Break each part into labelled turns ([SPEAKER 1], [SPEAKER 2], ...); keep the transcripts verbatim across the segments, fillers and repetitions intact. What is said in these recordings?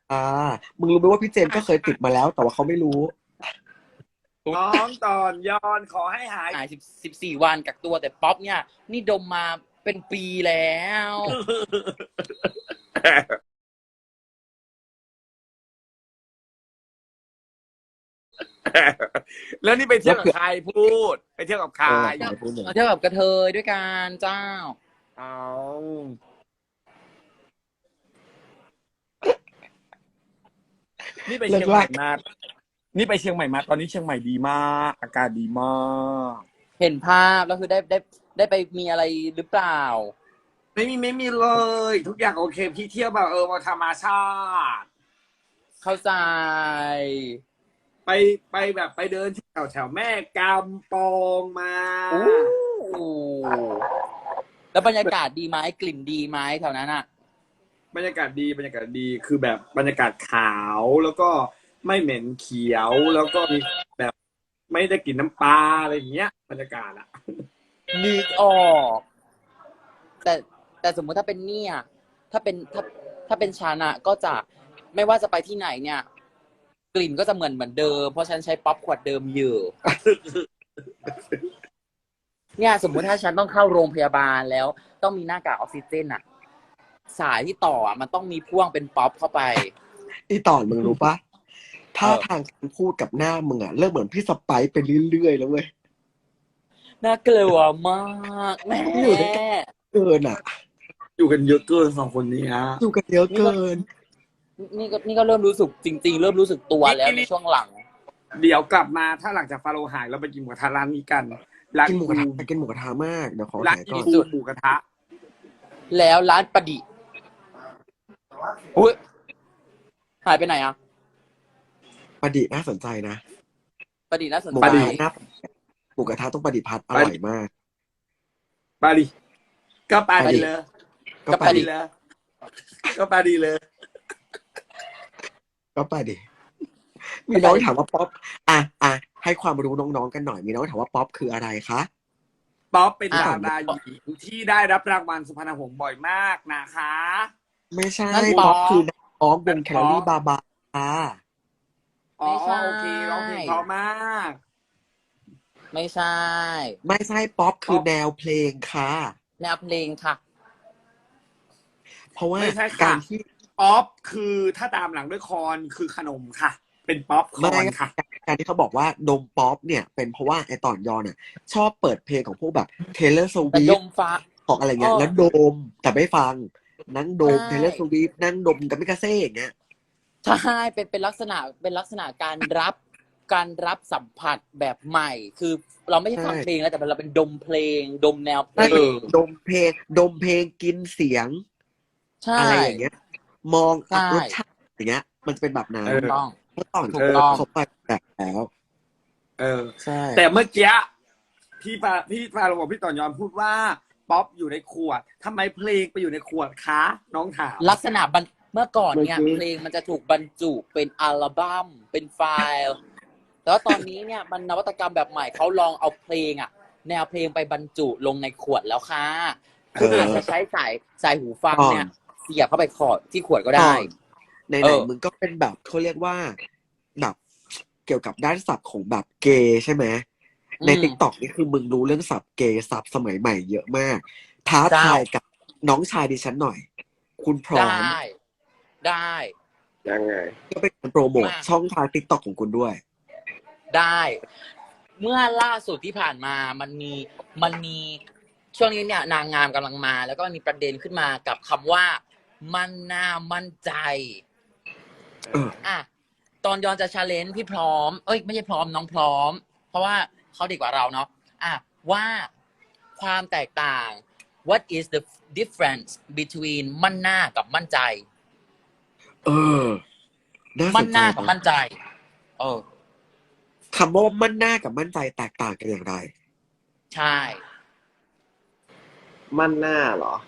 [SPEAKER 1] อ่ามึงรู้ไหมว่าพี่เจนก็เคยติดมาแล้วแต่ว่าเขาไม่รู้
[SPEAKER 2] น้องตอนยอนขอให้หาย
[SPEAKER 3] หายสิบสิบสี่วันกักตัวแต่ป๊อปเนี่ยนี่ดมมาเป็นปีแล้ว
[SPEAKER 2] แล้วนี่ไปเที่ยวกับใครพูดไปเที่ยวกับใคร
[SPEAKER 1] เอออย่าไปพูดอย่างนั้น
[SPEAKER 3] เราเที่ยวกับกระเทยด้วยกันเจ้า
[SPEAKER 2] เอานี่ไปเชียงใหม่มานี่ไปเชียงใหม่มาตอนนี้เชียงใหม่ดีมากอากาศดีมาก
[SPEAKER 3] เห็นภาพแล้วคือได้ได้ได้ไปมีอะไรหรือเปล่า
[SPEAKER 2] ไม่มีไม่มีเลย ทุกอย่างโอเคพี่เที่ยวแบบเออมาธรรมชาติ
[SPEAKER 3] เข้าใจ
[SPEAKER 2] ไปไปแบบไปเดินแถวแถวแม่กำปองมา
[SPEAKER 3] อู้แล้วบรรยากาศดีไหมกลิ่นดีไหมแถวนั้นอ่ะ
[SPEAKER 2] บรรยากาศดีบรรยากาศดีคือแบบบรรยากาศขาวแล้วก็ไม่เหม็นเขียวแล้วก็มีแบบไม่ได้กลิ่นน้ำปลาอะไรอย่างเงี้ยบรรยากาศอะ
[SPEAKER 3] นึกออก แต่แต่สมมุติถ้าเป็นเนี่ยถ้าเป็นถ้าถ้าเป็นชานะก็จะไม่ว่าจะไปที่ไหนเนี่ย กลิ่นก็จะเหมือนเหมือนเดิมเพราะฉันใช้ป๊อปขวดเดิมอยู่ เนี่ยสมมุติถ้าฉันต้องเข้าโรงพยาบาลแล้วต้องมีหน้ากากออกซิเจนอะสายที่ต่ออะมันต้องมีพ่วงเป็นป๊อปเข้าไป
[SPEAKER 1] อีตอนมึงรู้ปะถ้า
[SPEAKER 3] เออ
[SPEAKER 1] ทางการพูดกับหน้ามึงอะเริ่มเหมือนพี่สไปซ์ไปเรื่อยๆแล้วเว้ย
[SPEAKER 3] น่ากลัวมากแม่
[SPEAKER 1] อยู่ด้วยกัน เกินอะ
[SPEAKER 2] อยู่กันเยอะเกินสองคนนี้ฮะ
[SPEAKER 1] อยู่กันเยอะเกิน
[SPEAKER 3] นี่ก็นี่ก็เริ่มรู้สึกจริง ๆ เริ่มรู้สึกตัวแล้วในช่วงหลัง
[SPEAKER 2] เดี๋ยวกลับมาถ้าหลังจากฟาโรห์หายเราไปกินหมูกระทะร้านนี้กันร้าน
[SPEAKER 1] กินหมูกระทะกินหมูกระทะมากเดี๋ยวขอ
[SPEAKER 2] ร้าน
[SPEAKER 1] หาย
[SPEAKER 2] อี
[SPEAKER 1] ก่อน
[SPEAKER 2] ฟูหมูกระทะ
[SPEAKER 3] แล้วร้านประดิษฐ์อุ้ยหายไปไหนอ่ะ
[SPEAKER 1] ประดิษฐ์น่าสนใจนะ
[SPEAKER 3] ประดิษฐ์น่าสน
[SPEAKER 1] หมู
[SPEAKER 3] ใจ
[SPEAKER 1] กระทะน่าหมูกระทะต้องประดิษฐ์พัดอร่อยมาก
[SPEAKER 2] ไปดิก็ไปดิเลย
[SPEAKER 1] ก็
[SPEAKER 3] ก็
[SPEAKER 1] ไป
[SPEAKER 3] ไป
[SPEAKER 1] ดิ
[SPEAKER 3] ดิ
[SPEAKER 2] เลยก็ไปดิเลย
[SPEAKER 1] ก็ไปดิมีน้องถามว่าป๊อปอ่ะอ่ะให้ความรู้น้องๆกันหน่อยมีน้องถามว่าป๊อปคืออะไรคะ
[SPEAKER 2] ป๊อปเป็น
[SPEAKER 3] อ่ะ
[SPEAKER 2] ดาราหญิงที่ได้รับรางวัลสุพรรณหงส์บ่อยมากนะคะ
[SPEAKER 1] ไม่ใช่
[SPEAKER 3] นั่นป๊
[SPEAKER 1] ป๊
[SPEAKER 3] อ
[SPEAKER 1] อ
[SPEAKER 3] ป
[SPEAKER 1] ปคือนักร้องวงแคลอรี่บาบาค่ะ
[SPEAKER 2] อ๋อ
[SPEAKER 3] ไม่ใช่
[SPEAKER 2] โอเคร้องเพลงเพราะมาก
[SPEAKER 3] ไม่ใช่
[SPEAKER 1] ไม่ใช่ป๊อปคือแนวเพลงค่ะ
[SPEAKER 3] แนวเพลงค่ะ
[SPEAKER 1] เพราะว่า
[SPEAKER 2] ไม่ใช่
[SPEAKER 1] กา
[SPEAKER 2] ค่ะ
[SPEAKER 1] รที่
[SPEAKER 2] ป๊อปคือถ้าตามหลังด้วยคอนคือขนมค่ะ เป็นป๊อปค
[SPEAKER 1] ไม่
[SPEAKER 2] อนค่ะ
[SPEAKER 1] การที่เขาบอกว่าดมป๊อปเนี่ยเป็นเพราะว่าไอตอนยอนอ่ะ ชอบเปิดเพลงของพวกแบบเทเลอร์ส
[SPEAKER 3] แต่
[SPEAKER 1] วิ
[SPEAKER 3] ด
[SPEAKER 1] ฟ
[SPEAKER 3] มฟ้า
[SPEAKER 1] ของอะไรเงี้ย
[SPEAKER 3] อ้อ
[SPEAKER 1] แล้วดมแต่ไม่ฟัง นั่งดม
[SPEAKER 3] ใช่
[SPEAKER 1] เทเลอร์สวิฟนั่งดมกับมิกาเซ่อย่างเงี้ย
[SPEAKER 3] ใช่เป็นเป็นลักษณะเป็นลักษณะการรับการรับสัมผัสแบบใหม่ คือเราไม่ใช่ฟัง
[SPEAKER 1] ใช่
[SPEAKER 3] เพลงแล้วแต่เราเป็นดมเพลง ดมแนวเพล
[SPEAKER 1] ใช่
[SPEAKER 3] ง
[SPEAKER 2] เออ
[SPEAKER 1] ดมเพลงดมเพลงกินเสียง
[SPEAKER 3] ใช่
[SPEAKER 1] อะไรอย่างเงี้ย มอง
[SPEAKER 3] ใช่
[SPEAKER 1] รสชาติอย่างเงี้ย มันจะเป็นแบบนั้น
[SPEAKER 2] เอ
[SPEAKER 3] ถู
[SPEAKER 2] อ
[SPEAKER 3] กต้อง
[SPEAKER 1] เมื่อตอน
[SPEAKER 3] ถูกต้อง
[SPEAKER 1] เขาไปแบบแล้ว
[SPEAKER 2] เออ
[SPEAKER 1] ใช่
[SPEAKER 2] แต่เมื่อกี้พี่ฟาพี่ฟาโรห์บอกพี่ต่อยอนพูดว่าป๊อปอยู่ในขวดทำไมเพลงไปอยู่ในขวดคะน้องถาม
[SPEAKER 3] ลักษณะบรรเมื่อก่อนเนี่ย
[SPEAKER 1] มันคือ
[SPEAKER 3] เพลงมันจะถูกบรรจุเป็นอัลบั้มเป็นไฟล์ แต่ว่าตอนนี้เนี่ยมันนวัตกรรมแบบใหม่เขาลองเอาเพลงอะแนวเพลงไปบรรจุลงในขวดแล้วค่ะคุณ
[SPEAKER 1] เอออ
[SPEAKER 3] อาจจะใช้สายสายหูฟัง
[SPEAKER 1] ก่อน
[SPEAKER 3] เนี่ยเสียบเข้าไปขอดที่ขวดก็ได้
[SPEAKER 1] ใน
[SPEAKER 3] เอ
[SPEAKER 1] ไหน
[SPEAKER 3] อ
[SPEAKER 1] มึงก็เป็นแบบเขาเรียกว่าแบบเกี่ยวกับด้านศัพท์ของแบบเกย์ใช่ไหม ใน
[SPEAKER 3] อืม
[SPEAKER 1] ติ๊กต็อกนี่คือมึงรู้เรื่องศัพท์เกย์ศัพท์สมัยใหม่เยอะมาก ท้า
[SPEAKER 3] เจ้า
[SPEAKER 1] ทายกับน้องชายดิฉันหน่อย คุณพร้อ
[SPEAKER 3] ได้
[SPEAKER 1] ม
[SPEAKER 3] ได้
[SPEAKER 2] ยังไง
[SPEAKER 1] ก็เป็นการโปรโมท
[SPEAKER 3] มา
[SPEAKER 1] ช่องทางติ๊กต็อกของคุณด้วย
[SPEAKER 3] ได้ เมื่อล่าสุดที่ผ่านมามันมีมันมีช่วงนี้เนี่ยนางงามกำลังมา แล้วก็มีประเด็นขึ้นมากับคำว่า มันน่ามั่นใจ
[SPEAKER 1] เออ
[SPEAKER 3] อ่ะตอนยอนจะชาเลนจ์พี่พร้อม เอ้ยไม่ใช่พร้อมน้องพร้อม เพราะว่าเขาเด็กกว่าเราเนาะอ่ะว่าความแตกต่าง what is the difference between มั่นหน้ากับมั่นใจ
[SPEAKER 1] เออ น่าส
[SPEAKER 3] มั่น
[SPEAKER 1] น
[SPEAKER 3] ห
[SPEAKER 1] ใจ
[SPEAKER 3] น้ากับ
[SPEAKER 1] นะ
[SPEAKER 3] มั่นใจ เออ
[SPEAKER 1] คำว่ามั่นหน้ากับมั่นใจแตกต่างกันอย่างไร
[SPEAKER 3] ใช่
[SPEAKER 4] มั่นหน้าเหรอ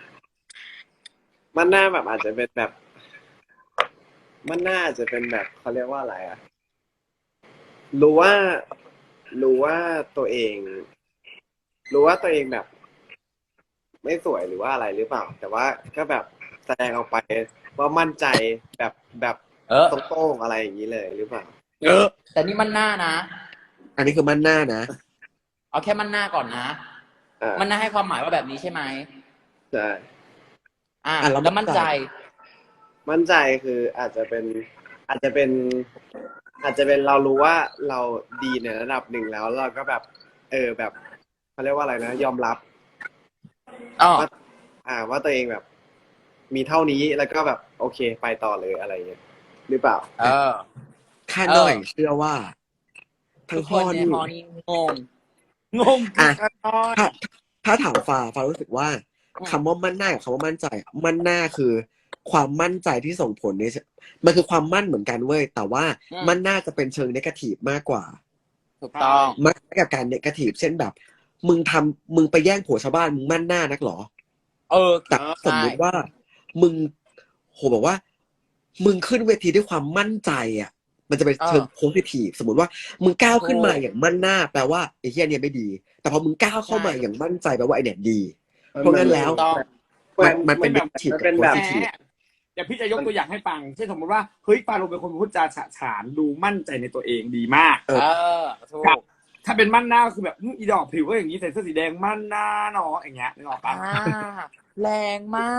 [SPEAKER 4] มั่นหน้าแบบอาจจะเป็นแบบ มั่นหน้าอาจจะเป็นแบบเขาเรียกว่าอะไรอะรู้ว่า รู้ว่าตัวเอง รู้ว่าตัวเองแบบ ไม่สวยหรือว่าอะไรหรือเปล่า แต่ว่าก็แบบแสดงออกไปว่ามั่นใจแบบแบบ
[SPEAKER 3] เออ
[SPEAKER 4] ตรงๆอะไรอย่างนี้เลยหรือเปล่า
[SPEAKER 2] เออ
[SPEAKER 3] แต่นี่มันหน้านะ
[SPEAKER 1] อันนี้คือมั่นหน้านะ
[SPEAKER 3] เอาแค่มันหน้าก่อนนะ
[SPEAKER 4] อ่า
[SPEAKER 3] มันหน้าให้ความหมายว่าแบบนี้ใช่ไหม
[SPEAKER 4] ใช่
[SPEAKER 3] อ่ะ
[SPEAKER 1] อ่ะแล้ว
[SPEAKER 3] แล้วมั่นใจ
[SPEAKER 4] มั่นใจคืออาจจะเป็นอาจจะเป็น อาจจะเป็นเรารู้ว่าเราดีในระดับหนึ่งแล้วเราก็แบบ เออแบบเขาเรียกว่าอะไรนะ ยอมรับ
[SPEAKER 3] อ๋อ
[SPEAKER 4] ว่าอ่าว่าตัวเองแบบ มีเท่านี้แล้วก็แบบโอเคไปต่อเลยอะไรอย่างเงี้ยหรือเปล่า
[SPEAKER 3] เออ
[SPEAKER 1] ข้าหน่อย
[SPEAKER 3] เออ
[SPEAKER 1] เชื่อว่า ทั้
[SPEAKER 3] ทุ
[SPEAKER 1] ง
[SPEAKER 3] ก
[SPEAKER 1] พ่
[SPEAKER 3] ค
[SPEAKER 1] อน
[SPEAKER 3] ใน
[SPEAKER 1] นี่
[SPEAKER 3] ฮอนี้งง
[SPEAKER 2] งงคือกันน้อย
[SPEAKER 1] ถ้าถ้าถามฟ้าฟ้ารู้สึกว่า
[SPEAKER 3] อืม
[SPEAKER 1] คำว่ามั่นหน้ากับคำว่ามั่นใจอะมั่นหน้าคือ ความมั่นใจที่ส่งผลในมันคือความมั่นเหมือนกันเว้ยแต่ว่า
[SPEAKER 3] อืม
[SPEAKER 1] มั่นหน้าจะเป็นเชิงเนกาทีฟมากกว่า
[SPEAKER 3] ถูกต้อง
[SPEAKER 1] มักกับการเนกาทีฟเช่นแบบ มึงทำมึงไปแย่งผัวชาวบ้านมึงมั่นหน้านักหรอ
[SPEAKER 3] เออ
[SPEAKER 1] แต่สมมุติว่า มึงโหบอกว่า มึงขึ้นเวทีด้วยความมั่นใจอ่ะ มันจะเป็นเชิงโพสิทีฟสมมติว่า มึงก้าวขึ้นมาอย่างมั่นหน้าแปลว่าไอ้เหี้ยเนี่ยไม่ดี แต่พอมึงก้าวเข้ามาอย่างมั่นใจแปลว่าไอ้เนี่ยดี เพราะงั้นแล้ว
[SPEAKER 3] ถูกต้อง
[SPEAKER 1] มันมันเป็น
[SPEAKER 2] ไม่
[SPEAKER 1] เน
[SPEAKER 2] แบบ
[SPEAKER 1] กาทีฟ
[SPEAKER 4] มัน
[SPEAKER 1] กั
[SPEAKER 4] เป็
[SPEAKER 1] บ
[SPEAKER 4] น
[SPEAKER 1] โพ
[SPEAKER 4] แบบ
[SPEAKER 1] สิ
[SPEAKER 2] แห
[SPEAKER 1] ทีฟ
[SPEAKER 2] มเดี๋ยวพี่จะยกตัวอย่างให้ฟังเช่นสมมติว่าเฮ้ยฟาโรเป็นคนพูดจาฉะฉานดูมั่นใจในตัวเองดีมาก
[SPEAKER 1] เออ
[SPEAKER 3] เออ ถูก
[SPEAKER 2] ถ้าเป็นมั่นหน้าก็คือแบบอื้ออีดอกผิวก็อย่างนี้ใส่เสื้อสีแดงมั่นหน้าเนาะอย่างเงี้ยนึกออกปะ
[SPEAKER 3] อ่า แรงมาก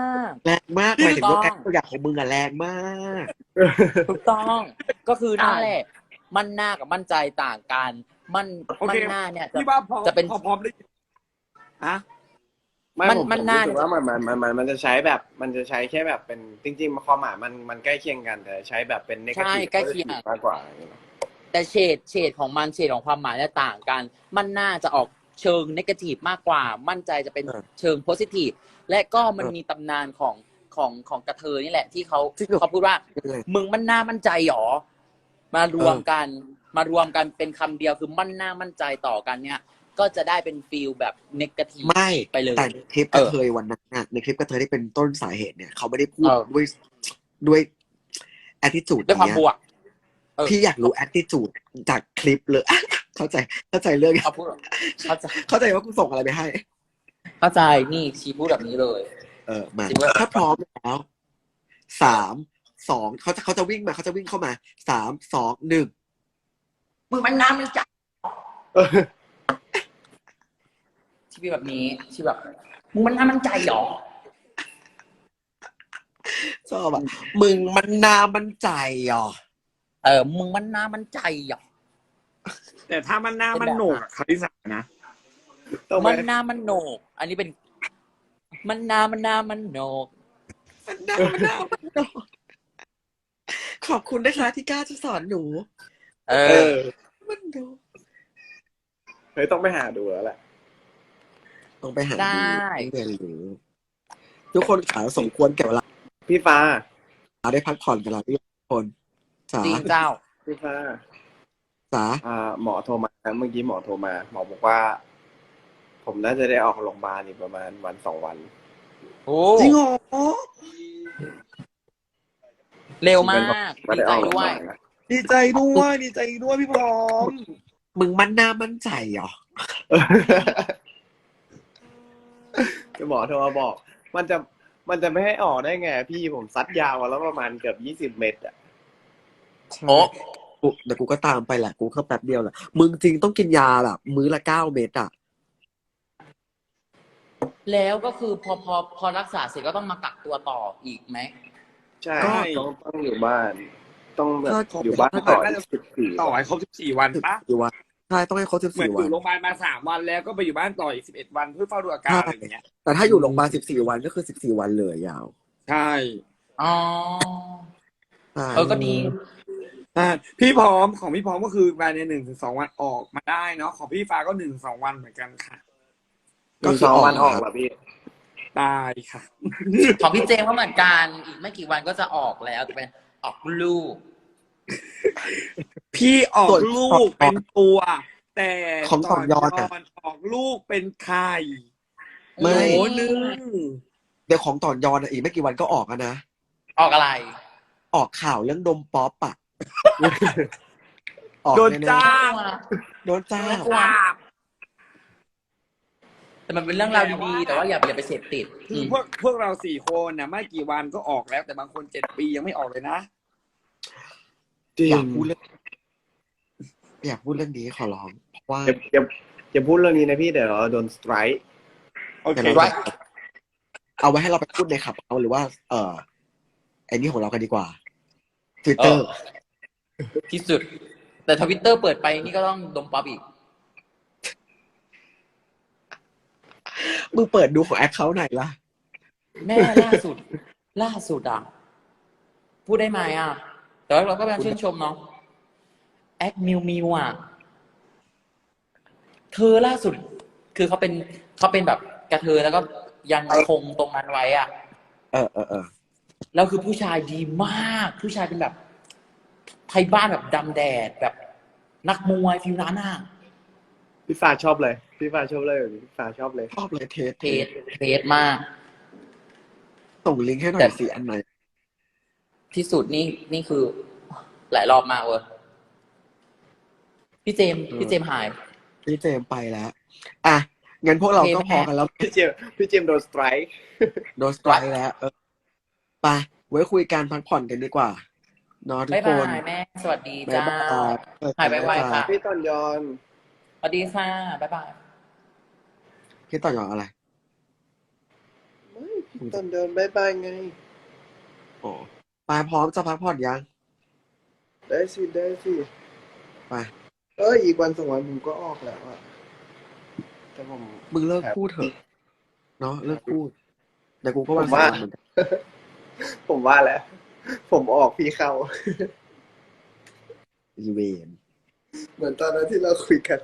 [SPEAKER 1] แรงมาก
[SPEAKER 3] ถู
[SPEAKER 1] หมาย
[SPEAKER 3] ก
[SPEAKER 1] ถึง
[SPEAKER 3] ต้
[SPEAKER 1] ว่า
[SPEAKER 3] อง
[SPEAKER 1] แอคตัวอย่างของมึงอะแรงมาก
[SPEAKER 3] ถูกต้อง ก็คือนั่นแหละ มั่นหน้ากับมั่นใจต่างกัน มั่น
[SPEAKER 2] โอ
[SPEAKER 3] มั่
[SPEAKER 2] เคน
[SPEAKER 3] หน้าเนี่ยจะ
[SPEAKER 2] พี่ว่าพอ
[SPEAKER 3] จะเป็น
[SPEAKER 2] พอพร้อมได้อะ
[SPEAKER 4] ไม่
[SPEAKER 3] มัน
[SPEAKER 4] ผม
[SPEAKER 3] มัน
[SPEAKER 4] ผม
[SPEAKER 3] น่า
[SPEAKER 4] รู้สึกว่ามันมันมันมันมันจะใช้แบบ มันจะใช้แค่แบบเป็นจริงๆความหมายมันมันใกล้เคียงกันแต่ใช้แบบเป็น
[SPEAKER 3] ใช่
[SPEAKER 4] negative
[SPEAKER 3] ใกล้เคียง
[SPEAKER 4] positive มากกว่าอย่างเงี้ย
[SPEAKER 3] แต่เฉดเฉดของมันเฉดของความหมายเนี่ยต่างกัน มันน่าจะออกเชิงนกาทีฟมากกว่า มั่นใจจะเป็น
[SPEAKER 1] เออ
[SPEAKER 3] เชิงโพสิทีฟและก็มัน
[SPEAKER 1] เออ
[SPEAKER 3] มีตำนานของของของกระเทยนี่แหละ ที่เขา
[SPEAKER 1] จริงเหรอ
[SPEAKER 3] เขาพูดว่า
[SPEAKER 1] ยังไง
[SPEAKER 3] มึงมั่นหน้ามั่นใจหรอ มารวม
[SPEAKER 1] เออ
[SPEAKER 3] กัน มารวมกันเป็นคำเดียวคือมั่นหน้ามั่นใจต่อกันเนี่ย ก็จะได้เป็นฟีลแบบนกาทีฟ
[SPEAKER 1] ไม่
[SPEAKER 3] ไปเลย
[SPEAKER 1] แต่ในคลิปกระเทยวันนั้นน่ะในคลิปกระเทยที่เป็นต้นสาเหตุเนี่ยเขาไม่ได้พูด
[SPEAKER 3] เออ
[SPEAKER 1] ด้วยด้วย attitude
[SPEAKER 3] ด้วยความ
[SPEAKER 1] เนี้ย
[SPEAKER 3] บวก เออ
[SPEAKER 1] พี่อยากรู้ attitude จากคลิปเลย เข้าใจเข้าใจเรื่อง
[SPEAKER 3] เขาพูดเข้าใจ
[SPEAKER 1] เข้าใจว่ากูส่งอะไรไปให้
[SPEAKER 3] เข้าใจนี่ชีพูดแบบนี้เลย
[SPEAKER 1] เออมา
[SPEAKER 3] จริงเว้ย
[SPEAKER 1] ถ้าพร้อมแล้วสามสองเขาจะเขาจะวิ่งมาเขาจะวิ่งเข้ามาสามสองหนึ่ง
[SPEAKER 3] มึงมันน้ำมันจัดชีวิตแบบนี้ชีวิตแบบมึงมันน้ำมันใจหรอ
[SPEAKER 1] ชอบอ่ะมึงมันนามันใจอ่ะ
[SPEAKER 3] เออ มึงมันน้ำมันใจหรอ
[SPEAKER 2] แต่ถ้ามันหน้ามันโหนกอะคาริสานะ
[SPEAKER 4] ต้องไป
[SPEAKER 3] มันน้ำมันโหนก อันนี้เป็น มันน้ำมันน้ำมันโหนก
[SPEAKER 1] มันนามันนามันโดนขอบคุณนะคะที่กล้าจะสอนหนู
[SPEAKER 3] เอ
[SPEAKER 4] เอ
[SPEAKER 3] อ
[SPEAKER 4] อ
[SPEAKER 1] มันโดน
[SPEAKER 4] เฮ้ยต้องไปหาดูแล้วแหละ
[SPEAKER 1] ต้องไปหา
[SPEAKER 3] ได้
[SPEAKER 1] ดูเรียนรู้ทุกคนขาสมควรแก่เวลา
[SPEAKER 4] พี่ฟ้า
[SPEAKER 1] ได้พักผ่อนกันแล้วทุกคนสา
[SPEAKER 3] จริงเจ้า
[SPEAKER 4] พี่ฟ้า
[SPEAKER 1] สา
[SPEAKER 4] อ่าหมอโทรมาเมื่อกี้หมอโทรมาหมอบอกว่า ผมน่าจะได้ออกโรงพยาบาลอีกประมาณวันสองวัน
[SPEAKER 3] โอ้
[SPEAKER 1] จริงเหรอ
[SPEAKER 3] เร็วมาก
[SPEAKER 4] ไม่
[SPEAKER 3] ดี
[SPEAKER 4] ได้
[SPEAKER 3] ใจ
[SPEAKER 4] ออกโรงพ
[SPEAKER 3] ด้วย
[SPEAKER 4] ยาบาลนะ
[SPEAKER 2] ดีใจด้วยดีใจด้วยพี่พร้อม
[SPEAKER 1] มึงมันหน้ามั่นใจเหรอ
[SPEAKER 4] คือหมอโทรมาบอก มันจะมันจะไม่ให้ออกได้ไงพี่ผมซัดยาวมาแล้วประมาณเกือบยี่สิบเมตรอ่ะ
[SPEAKER 3] โอ้
[SPEAKER 1] กูเดี๋ยวกูก็ตามไปแหละกูเข้าแป๊บเดียวแหละมึงจริงต้องกินยาแบบมื้อละเก้าเม็ดอ่ะ
[SPEAKER 3] แล้วก็คือพอพอพอรักษาเสร็จก็ต้องมากักตัวต่ออีกไหม
[SPEAKER 4] ใช่
[SPEAKER 2] ก็
[SPEAKER 4] ต้องต้องอยู่บ้าน ต้องแบบ
[SPEAKER 1] ก็
[SPEAKER 4] อยู่บ้านต่อ
[SPEAKER 2] น่าจะ
[SPEAKER 4] สิบสี่
[SPEAKER 2] ต่อให้ครบสิบสี่วัน
[SPEAKER 1] สิบ
[SPEAKER 2] ปะ
[SPEAKER 1] สี่วันใช่ต้องให้ครบสิบ
[SPEAKER 2] เหมือน
[SPEAKER 1] สี่
[SPEAKER 2] อ
[SPEAKER 1] วัน
[SPEAKER 2] ยู่โรงพยาบาลมาสามวันแล้วก็ไปอยู่บ้านต่ออีกสิบเอ็ดวันเพื่อเฝ้าดูอาการอะไรอย่างเงี้ย
[SPEAKER 1] แต่ถ้าอยู่โรงพยาบาลสิบสี่วันก็คือสิบสี่วันเลยยาว
[SPEAKER 2] ใช่
[SPEAKER 3] อ๋อ
[SPEAKER 1] ใช่
[SPEAKER 3] เออ ก็ดี
[SPEAKER 2] อ่าพี่พร้อมของพี่พร้อมก็คือภายในหนึ่งถึงสองวันออกมาได้เนาะของพี่ฟ้าก็หนึ่งสองวันเหมือนกันค่ะ
[SPEAKER 4] หนึ่งสองวันออกเหรอพี่
[SPEAKER 2] ได้ค่ะ
[SPEAKER 3] ของพี่เจมส์ก็เหมือนกัน อีกไม่กี่วันก็จะออกแล้วจะเป็นออกลูก
[SPEAKER 2] พี่ออกลูกเป็นตัว แต่
[SPEAKER 1] ของต่อยอด
[SPEAKER 2] ก่
[SPEAKER 1] อะ
[SPEAKER 2] อนออกลูกเป็นไข่
[SPEAKER 1] ไม่
[SPEAKER 2] โหนึง
[SPEAKER 1] เดี๋ยวของต่อยอนอะอีกไม่กี่วันก็ออกแล้วนะ
[SPEAKER 3] ออกอะไร
[SPEAKER 1] ออกข่าวเรื่องดมป๊อปอ่ะ ออก
[SPEAKER 2] โดน
[SPEAKER 1] แๆ
[SPEAKER 2] จ้าง
[SPEAKER 1] โดนจ้า
[SPEAKER 3] น่ากลัวแต่มันเป็นเรื่องราวดีๆแต่ว่าอย่าอย่าไปเสพติด
[SPEAKER 2] คือพวกพวกเราสี่คนนะไม่กี่วันก็ออกแล้วแต่บางคนเจ็ดปียังไม่ออกเลยนะ
[SPEAKER 4] จริ
[SPEAKER 1] อง ยากพูดเรื่องอยากพูดเรื่องนี้ขอร้องเพราะว่า
[SPEAKER 4] อย่าอย่าอย่าพูดเรื่องนี้นะพี่เดี๋ยวเราโดนสไตรค์
[SPEAKER 2] โอเค
[SPEAKER 1] เดี๋ยวเราจะเอาไว้ให้เราไปพูดในขับเอาหรือว่า เออไอ้นี่ของเรากันดีกว่า Twitter
[SPEAKER 3] ที่สุด แต่ทวิตเตอร์เปิดไปนี่ก็ต้องดมป๊อปอีก
[SPEAKER 1] มึงเปิดดูของแอคเคาท์ไหนล่ะ
[SPEAKER 3] แม่ล่าสุด ล่าสุดอ่ะ พูดได้ไหมอ่ะ แต่ว่าเราก็พยายามชื่นชมเนาะแอคมิวมิวอ่ะ เธอล่าสุด คือเขาเป็นเขาเป็นแบบกระเทยแล้วก็ยังคงตรงนั้นไว้อ่ะ
[SPEAKER 1] เออเออเออ
[SPEAKER 3] แล้วคือผู้ชายดีมาก ผู้ชายเป็นแบบไทยบ้านแบบดำแดดแบบนักมวยฟิวนั้นอ่ะ
[SPEAKER 4] พี่ฟ้าชอบเลยพี่ฟ้าชอบเลยพี่ฟ้าชอบเลย
[SPEAKER 1] ชอบเลยเทส
[SPEAKER 3] เทสเทสมาก
[SPEAKER 1] ส่งลิงก์ให้หน่อ
[SPEAKER 3] แต่
[SPEAKER 1] ยสิอันไหน
[SPEAKER 3] ที่สุดนี่นี่คือ หลายรอบมากเว้ยพี่เจมส์พี่เจมส์หาย
[SPEAKER 1] พี่เจมส์ไปแล้ว อ่ะ งั้นพวกเราก็พอกันแล้ว
[SPEAKER 4] พี่เจมส์พี่เจมส์โดนสไตรค์
[SPEAKER 1] โดนสไตรค์แล้ว เออไปไว้คุยกันพักผ่อนกันดีกว่าเนอะทุก
[SPEAKER 3] บ๊าย
[SPEAKER 1] ค
[SPEAKER 3] บาน ยแม่ สวัสดี
[SPEAKER 1] บ๊าย
[SPEAKER 3] จ้า
[SPEAKER 1] บาย
[SPEAKER 3] หายไวๆค่ะ
[SPEAKER 4] พี่ตอนยอน
[SPEAKER 3] สวัสดีค่ะ บ๊ายบาย
[SPEAKER 1] พี่ต่อยอนอะไร
[SPEAKER 4] ไม่พี่ตอนยอนบายบายไง
[SPEAKER 1] อ๋อไปพร้อมจะพักผ่อนยัง
[SPEAKER 4] ได้สิได้สิ
[SPEAKER 1] ไป
[SPEAKER 4] เอ้ยอีกวันสองวันผมก็ออกแล้วอะแต่ผม
[SPEAKER 1] มึงเลิกพูดเถอะเนาะเลิกพูดแต่กูก็ว่า
[SPEAKER 4] ผมว่า
[SPEAKER 1] สามวันเหมือนกัน
[SPEAKER 4] ผมว่าแล้ว ผมออกพี่เข้า
[SPEAKER 1] อีเวน
[SPEAKER 4] เหมือนตอนนั้นที่เราคุยกัน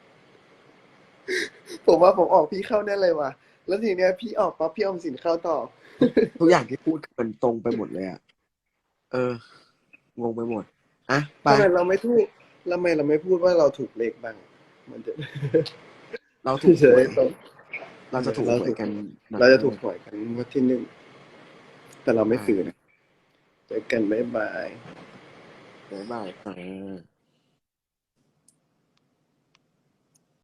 [SPEAKER 4] ผมว่าผมออกพี่เข้าแน่เลยว่ะ แล้วทีเนี้ยพี่ออกปั๊บพี่ออมสินเข้าต่อ
[SPEAKER 1] ทุกอย่างที่พูดมันตรงไปหมดเลยอ่ะ เออ งงไปหมด อ่ะ ไป
[SPEAKER 4] ทำไมเราไม่พูดทำไมเราไม่พูดว่าเราถูกเลขบ้าง มันจะ
[SPEAKER 1] เราถูก
[SPEAKER 4] เฉ
[SPEAKER 1] หวย
[SPEAKER 4] ยๆตรง
[SPEAKER 1] เราจะถูกหวยกัน
[SPEAKER 4] เราจะถูกหวยกันงวันที่หนึ่ง แต่เราไม่ซื้อนะเจอกันบ๊ายบาย
[SPEAKER 1] บ๊ายบายค่ะ